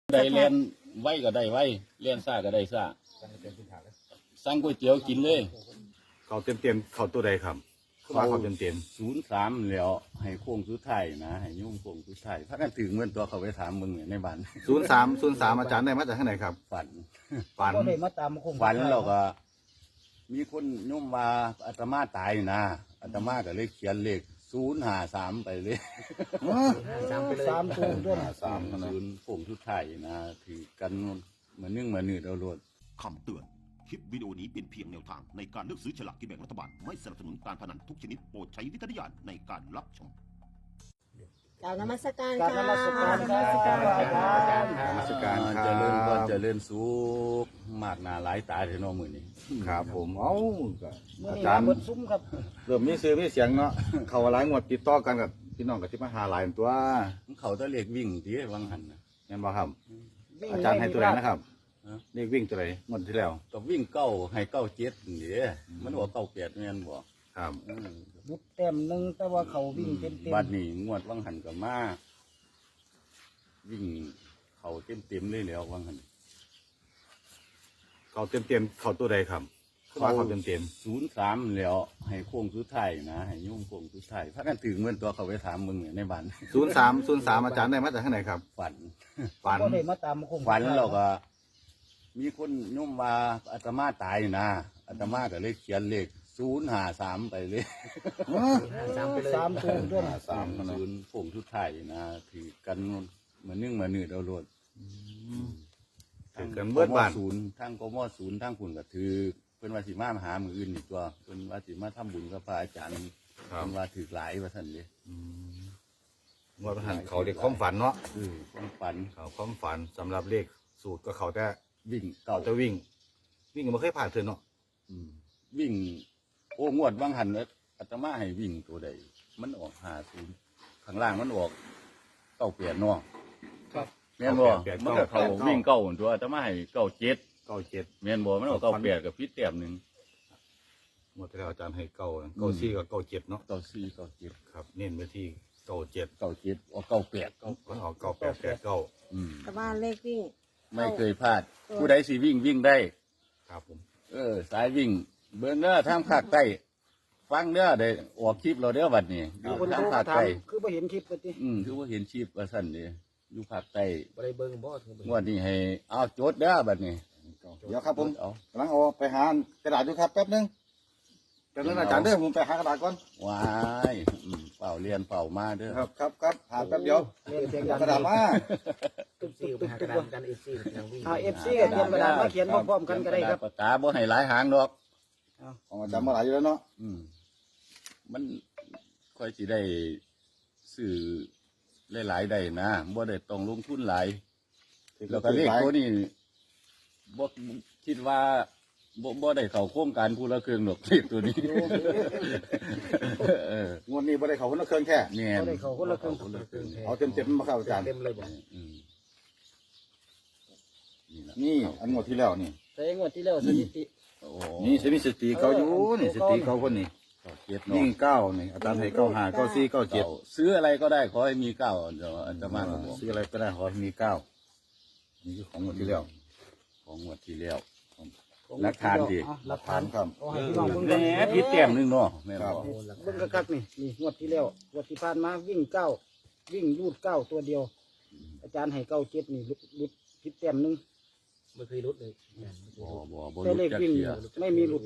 ได้เรียนไว้ก็ได้ไว้เรียนซ่าก็ได้ซ่าสั่งก๋วยเตี๋ยวกินเลยเขาเต็มเขาตัวใดครับคือว่าเขาเต็ม 03แล้วให้โค้งสุดท้ายนะให้ยุ่งโค้งสุดท้ายถ้ากันถึงเมื่อตัวเขาไปถามมึงในบ้าน 03 อาจารย์ได้มาจากที่ไหนครับฝันฝันก็ได้มาตามคงฝันเราก็ มีคนยุ่มมาอาตมาตายนะอาตมาก็เลยเขียนเลข053ไปเลย 3 ตัวด้วยนะ 3โค้งสุดท้ายนะถือกันเหมือนเหมือนเอาโลดคำเตือน คลิปวิดีโอนี้เป็นเพียงแนวทางในการเลือกซื้อฉลากกินแบ่งรัฐบาล ไม่สนับสนุนการพนันทุกชนิดโปรดใช้วิจารณญาณในการรับชมกล่าวนมัสการการค่ะนมัสการครับนมัสการคเจรับริญก็เจริญสุขมากหน้าหลายตาเถอะเน้องมือนี้ครับผมเอ้ามื้ออานี้จารมาย์เบิดซุ้มครับเริ่มมีซื้อมีเสียงเนาะเขาหลายงวดติดต่อกันกับพี่น้องกับที่มาหาหลายตัวเขาจะเรียกวิ่งที่วังหันนะเห็นบ่ครับวิ่งอาจารย์ให้ตัวไหนนะครับฮะเลขวิ่งตัวไหนงวดที่แล้วก็วิ่งเก้าให้เก้าเจ็ดนี่มันบอกเก้าแปดแม่นบอกครับบุดแต้มหนึงแต่ว่าเขาวิ่งเต็มบัดนี้งวดวังหันกับมาวิ่งเขาเต็มเลยแล้ววังหันเขาเต็มเขาตัวใดครับคือว่าเขาเต็ม 03แล้วให้โค้งสุดท้ายนะให้ยุ่งโค้งสุดท้ายถ้ากันถึงเมื่อตัวเขาไปถามมึงในบ้าน 03 อาจารย์ได้มาจากที่ไหนครับฝันฝันก็ได้มาตามคงฝันเราก็ มีคนยุ่มมาอาตมาตายนะอาตมาก็เลยเขียนเลข053ไปเลย 3 ตัวด้วยนะโค้งสุดท้ายนะถือกันเหมือนเหมือนเอาโลดถึงกันเบิดบ้านศูนย์ทั้งกมศูนย์ทั้งคุณก็ถือเพิ่นว่าสิมาหามืออื่นอีกตัวเพิ่นว่าสิมาทำบุญกับพระอาจารย์ครับเพิ่นว่าถือหลายว่าท่านเลยงวดหันเขาเรียกความฝันเนาะความฝันเขาความฝันสำหรับเลขสูตรก็เขาแต่วิ่งเขาเก่าจะวิ่งก็ไม่เคยผ่านเธอเนาะวิ่ง โอ้งวดบางหันเนี่ยอาตมาให้วิ่งตัวใดมันออก50ข้างล่างมันออก98เนาะครับแม่นบ่มันก็เขาวิ่งเก่าตัวอาตมาให้97แม่นบ่มันออก98กับพิษแต้มหนึงหมดแล้วอาจารย์ให้เก้า4กับ7เนาะ 94 97 ครับเน้นไปที่97 97ออก98 ก็เอา9889 แต่ว่าเลขวิ่งไม่เคยพลาด ผู้ใดสิวิ่งได้ครับผมสายวิ่ง เบิ่งเด้อทางภาคใต้ฟังเด้อได้ออกคลิปเราเด้อบัดนี้อยู่คนทางโทรภามาคถามใต้คือบ่เห็นคลิปเลยติคือว่าเห็นคลิปว่าซั่นเด้อยู่ภาคใต้บ่ได้เบิ่งบ่งวดนี้ให้เอาโจทย์เด้อบัดนี้เดี๋ยวครับผมเอากำลังเอาไปหากระดาษอยู่ครับแป๊บนึงอาจารย์เด้อผมไปหากระดาษก่อนว้ายเป่าเรียนเป่ามาเด้อครับหาแป๊บเดียวเรียนเสียงเอาดังกระดาษมาตึกๆๆกัน FC ก็เตรียมกระดาษมาเขียนพร้อมๆกันก็ได้ครับปากกาบ่ให้หลายหางดอกของอาจารย์มาหลายอยู่แล้วเนาะมันค่อยสิได้ซื้อหลายๆได้นะบ่ได้ต้องลงทุนหลาย แล้วก็เลขตัวนี้บ่คิดว่าบ่ได้เข้าโครงการผู้ละเครื่องดอกเลขตัวนี้งวดนี้บ่ได้เขาคนละเครื่องแค่แม่นบ่ได้เข้าคนละครึ่งเอาเต็มมาครับอาจารย์อืมนี่ล่ะนี่อันงวดที่แล้วนี่แต่งวดที่แล้วสถิติโอ้นี่สถิติเขาอยู่นี่สถิติเขาคนนี้เจ็ดยิ่เนาะง9นี่อาจารย์ให้95 94 97 ซื้ออะไรก็ได้ขอให้มีเก้าเดี๋ยวอาตมาก็บอกซื้ออะไรก็ได้ขอให้มี9นี่คือของงวดที่แล้วของงวดที่แล้ว หลักฐานดิหลักฐานครับเอาให้พี่น้องเบิ่งแหก่อนมพี่แต้มหนึงเนาะแม่นครับบ่เบิ่งคักๆนี่งวดที่แล้วงวดที่ผ่านมาวิ่ง9วิ่งรูด9ตัวเดียว อาจารย์ให้97นี่ลุดผิดแต้มหนึงไม่เคยลดเลยบ่แต่รู้เลขจักวิ่งเที่ยไม่มีหลุด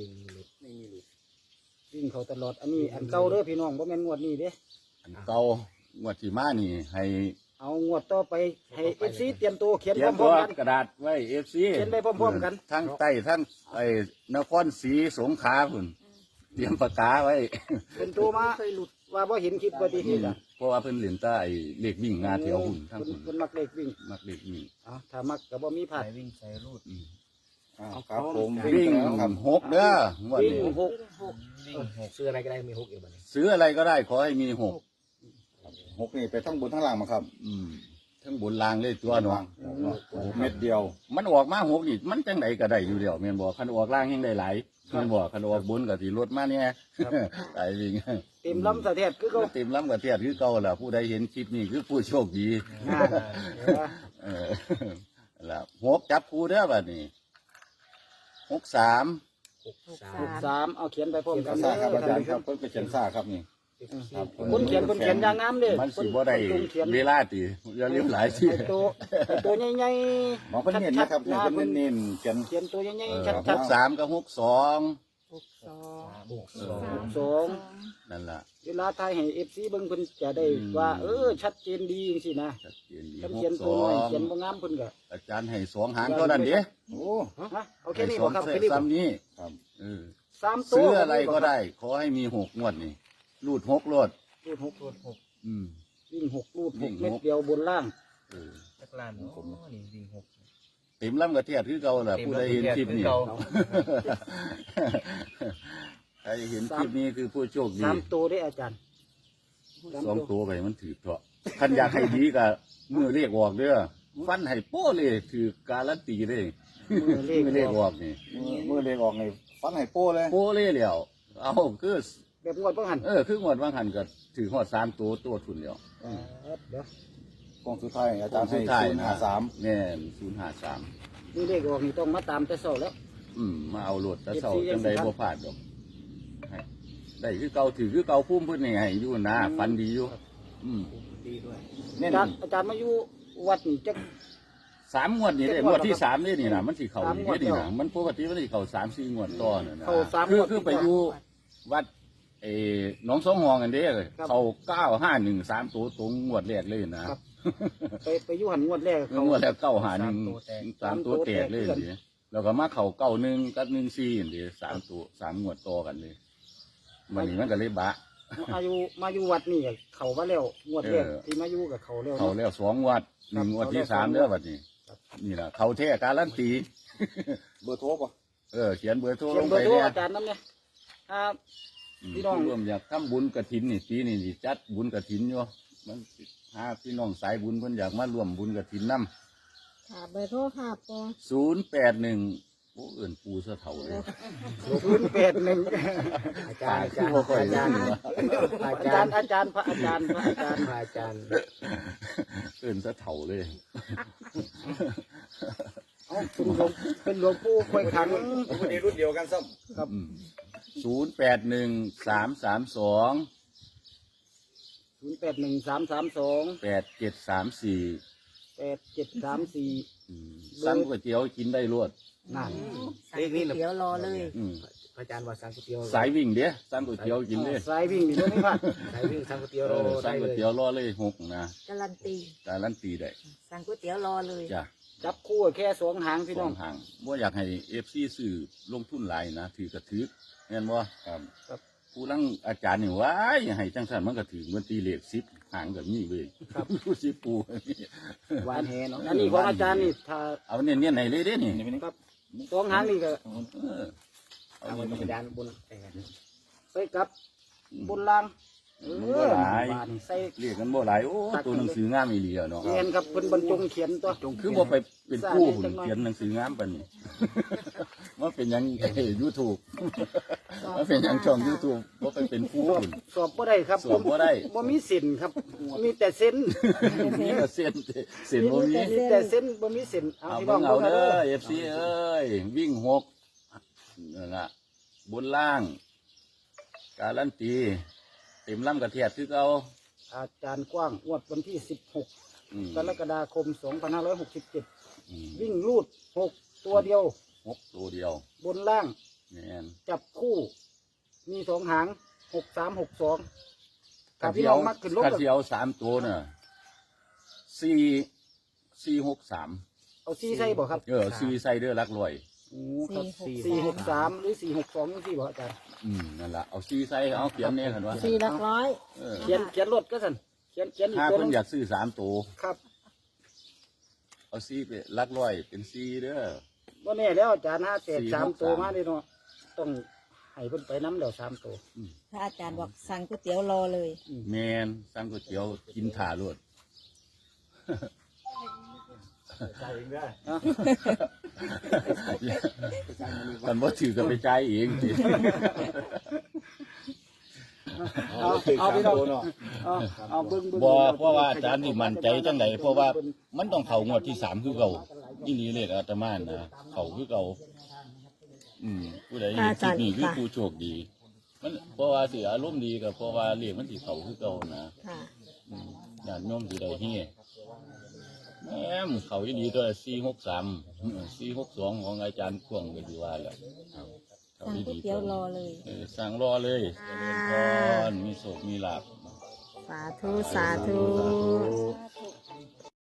วิ่งเขาตลอดอันนี้อันเก่าเด้อพี่น้องบ่แม่นงวดนี้เด้อันเก่างวดที่มานี่ ให้เอางวดต่อไปให้ FC เตรียมตัวเขียนเขียนพร้ตัอวมๆกันกระดาษไว้ FC เขียนไปพร้อมๆกันทั้งใต้ทั้งไอ้นครศรีสงขลาพุ่นเตรียมปากกาไว้เป็นตัวมาว่าบ่เห็นคลิปบ่ดีที่ล่ะเพราะว่าเพิ่นเล่นใต้เลขวิ่งงาแถวหุ่นทั้งหุ่นเพิ่นมักเลขวิ่งมักเลขวิ่งเอาถ้ามักก็บ่มีพลาดวิ่งใส่รูดครับผมวิ่งครับ 6เด้องวดวิ่งนี้หกวิ่งหกซื้ออะไรก็ได้มีหกเอวบัดนี้ซื้ออะไรก็ได้ขอให้มี6 6นี่ไปทั้งบนทั้งล่างมาครับทั้งบนล่างเลยตัวเนาะเม็ดเดียวมันออกมา6นี่มันจังไดก็ได้อยู่แล้วแม่นบ่คันออกล่างยังได้หลายแม่นบ่คันออกบนก็สิลดมาเนี่ยไอ้วิ่งเต็มลำสะเทศคือเขาเต็มล้ำกับเทียดคือเก่าล่ะผู้ใดเห็นคลิปนี้คือผู้โชคดีอ่าเดี๋ยวว่าเออล่ะ6จับคู่เด้อบัดนี้63 63เอาเขียนไปพร้อมกันซ่าครับอาจารย์คครัรับบ เพิ่นไปเขียนซ่าครับนี่ ครับคนเขียนอย่างงามเด้มันสิบ่ได้คนเขียนเวลาติอย่าลืมหลายสิไอ้ตัวใหญ่ๆหมอเพิ่นเน้นนะครับเนี่ยเพิ่นเน้นเขียนเขียนตัวใหญ่เออๆชัด 63กับ62 ๆ2 นั่นล่ะเวลาทายให้ FC เบิ่งเพิ่นจะได้ว่าชัดเจนดีจังซี่นะชัดเจนดีคันเขียนตัวน้อยเขียน 62 บ่งามเพิ่นก็อาจารย์ให้2หางเท่านั้นเด้โอ้ฮะเอาแค่ให้นี้สบ่องครับเส้แค่นนี้บ่ซ้ำนี้ครับเออ 3ตัวซื้ออะไรก็ได้ ขอให้มี6งวดนี่รูด6รวดรูด6 อืมวิ่ง6รูดวิ่ง 6เม็ดหกเดียวบนล่างเออจักรลานโอ้นี่วิ่ง6 เต็มลำกระเทียดคือเก่าล่ะผู้ใดเห็นคลิปนี้เก่าใครเห็นคลิปนี้คือผู้โชคดี 3ตัวได้อาจารย์ 2ตัวไปมันถือเถาะคันอยากให้ดีก็มือเรียกออกเด้อฟันให้โป้เลยถือการันตีเลยมือเลขมือเรียกออกนี่มือเลขออกนี่ฟันให้โป้เลยโป้เลยแล้วเอาคือแบบงวดบ่หันคืองวดว่างหันก็ถือหอด3ตัวทุนแล้วเดี๋ยวกองสุดท้ายอาจารย์ให้สุดท้าย 053 แน่น053 นี่เลขออกนี่ต้องมาตามแต่เช้าแล้วมาเอาโหลดแต่เช้า FC จังไดบ่พลาดดอกให้ได้คือเก่าถือคือเก่าพุ่มเพิ่นนี่ให้อยู่นะฟันดีอยู่ดีด้วยเน้นอาจารย์มาอยู่วัดนี่จัก 3 งวดนี่ได้ 7 งวดที่3นี่นะมันสิเข้าสามนี่งวดนี่แล้วนะมันปกติมันสิเข้า3-4 งวดต่อน่ะนะเข้าสามคืงอวดคือไปอยู่วัดหนองสองหองกันเด้ครับเข้า951 3ตัวตรงงวดแรกเลยนะครับไปอยู่หันงวดแรกเขางวดแล้ว951 3ตัวแตกเลยดิแล้วก็มาเข้า91กับ14นี่ดิ3ตัว3งวดต่อกันเลยมันนี่มันก็เลยบะมาอยู่วัดนี่เขามาแล้วงวดแรกเออที่มาอยู่กับเขาแล้วเข้าแล้ว2 งวด1งวดที่3เด้อบัดนี้นี่ล่ะเข้าแท้การันตีเบอร์โทรป่ะเขียนเบอร์โทรเขีลยนงเบไปอร์โทรเนี่ยอาจารย์น้ำเนี่ยครับ พี่น้องผู้ร่วมอยากทำบุญกฐินนี่ปีนี้สิจัดบุญกฐินอยู่มันหาพี่น้องสายบุญเพิ่นอยากมาร่วมบุญกฐินนำค่ะเบอร์โทรค่ะปอ 081โอ้เอื่นปูเสะเถาเลย 081 อาจารย์คือบ่ค่อยรู้นี่วะอาจารย์พระอาจารย์พระอาจารย์เอื่นเสะเถาเลยเอาเป็นหลวงปู่คอยขังคนนี้รุ่นเดียวกันซ้ครับ 081332 081332 8734 8734 สั่งก๋วยเตี๋ยวกินได้รวดนั่นเลขนี้นะเดี๋ยวรอเลยอืมพระอาจารย์ว่าสั่งก๋วยเตี๋ยวสายวิ่งเด้สั่งก๋วยเตี๋ยวกินเลยสายวิ่งนี่ไม่พลาดสายวิ่งสั่งก๋วยเตี๋ยวสั่ได้งก๋วยเลยเตี๋ยวรอเลย6นะการันตีการันตีได้สั่งก๋วยเตี๋ยวรอเลยจ้ะจับคู่แค่สองหางพี่สน้อองงทางว่าอยากให้FC ซื้อลงทุนหลายนะถือกระถือเห็นบ่ครับครับผู้ลังอาจารย์นี่ว้ายให้จังซั่นมันก็ถือมันตีเลข10หางแบบนี้เว้ยครับผู้สิปูหวานแหเนาะอันนี้ของอาจารย์นี่ถ้าเอาเน้นๆให้เลยเด้นี่ำนี่เป็นครับสองหางนี่ก็เออเอาเอาเน้นอาจารย์บนไปกับบนล่างบ่หลายบานใส่เรียกกันบ่หลายโอ้ตัวหนังสืองามอีหลีอะเนาะเขียนครับเพิ่นบรรจงเขียนตัวคือบ่ไปเป็นผู้หุ่นเขียนหนังสืองามปานนี้ ว่าเป็นหยัง YouTube ว่าเป็นหยังช่อง YouTube บ่ไปเป็นผู้สอบหุ่นสอบบ่ได้ครับสอบบ่ได้บ่มีสินครับ มีแต่เส้นมีแต่เส้นบ่มีมีแต่เส้นบ่มีเส้นเอาเอาพี่น้เบิ่องงเอาเบิ่งเด้เอาอเด้อ FC เอ้ยวิ่ง6นั่นล่ะบนล่าง การันตีเต็มลำกระเทียดคือเก่าอาจารย์กว้างงวดวันที่ 16 อืมกรกฎาคม 2567 อืมวิ่งลูด 6 ตัวเดียว 6ตัวเดียวบนล่างแม่นจับคู่ มีสองหาง 6362ถ้าพี่น้องมักขึ้นลงถ้าก็สิเอา3ตัวน่ะ463 เอา4ใส่บ่ครับ 4ใส่เด้อหลักร้อยโอ้ครับ463หรือ462จังซี่บ่อาจารย์นั่นล่ะเอา4ใส่เอาเขียนแน่คั่นว่า 4 หลักร้อยเออเขียนรถก็สั่นเขียนอีกถ้าตัวเพิ่หนนึงอยากซื้อ3ตัวครับเอา4ไปหลักร้อยเป็น4เด้อบ่แน่แล้วอาจารย์5แตก 4 3ตัวมาเด้เนาะต้องให้เพิ่นไปนำแล้ว3ตัวถ้าอาจารย์บอกสั่งก๋วยเตี๋ยวรอเลยแม่นสั่งก๋วยเตี๋ยวกินถ่าโลด มันบ่ถือกันไปจ่ายเองสิเอาพี่น้องเอาเบิ่งบ่เพราะว่าอาจารย์นี่มั่นใจจังไดเพราะว่ามันต้องเข้างวดที่3คือเก่านี่นี่เลขอาตมานะเขาคือเก่าผู้ใดเห็นคลิปนี้คือผู้โชคดี มันเพราะว่าสิอารมณ์ดีกับเพราะว่าเลขมันสิเขาคือเก่านะค่ะญาติโยมสิได้เฮ็ดแม่มเขาอีดีตัว463 462ของอาจารย์พ่วงก็สิว่าแล้วเขาสั่งอีก๋วยดีเตี๋ยวรอเลยสั่งรอเลยอ่าเป็นพรมีโชคมีลาภสาธุ สาธุสาธุ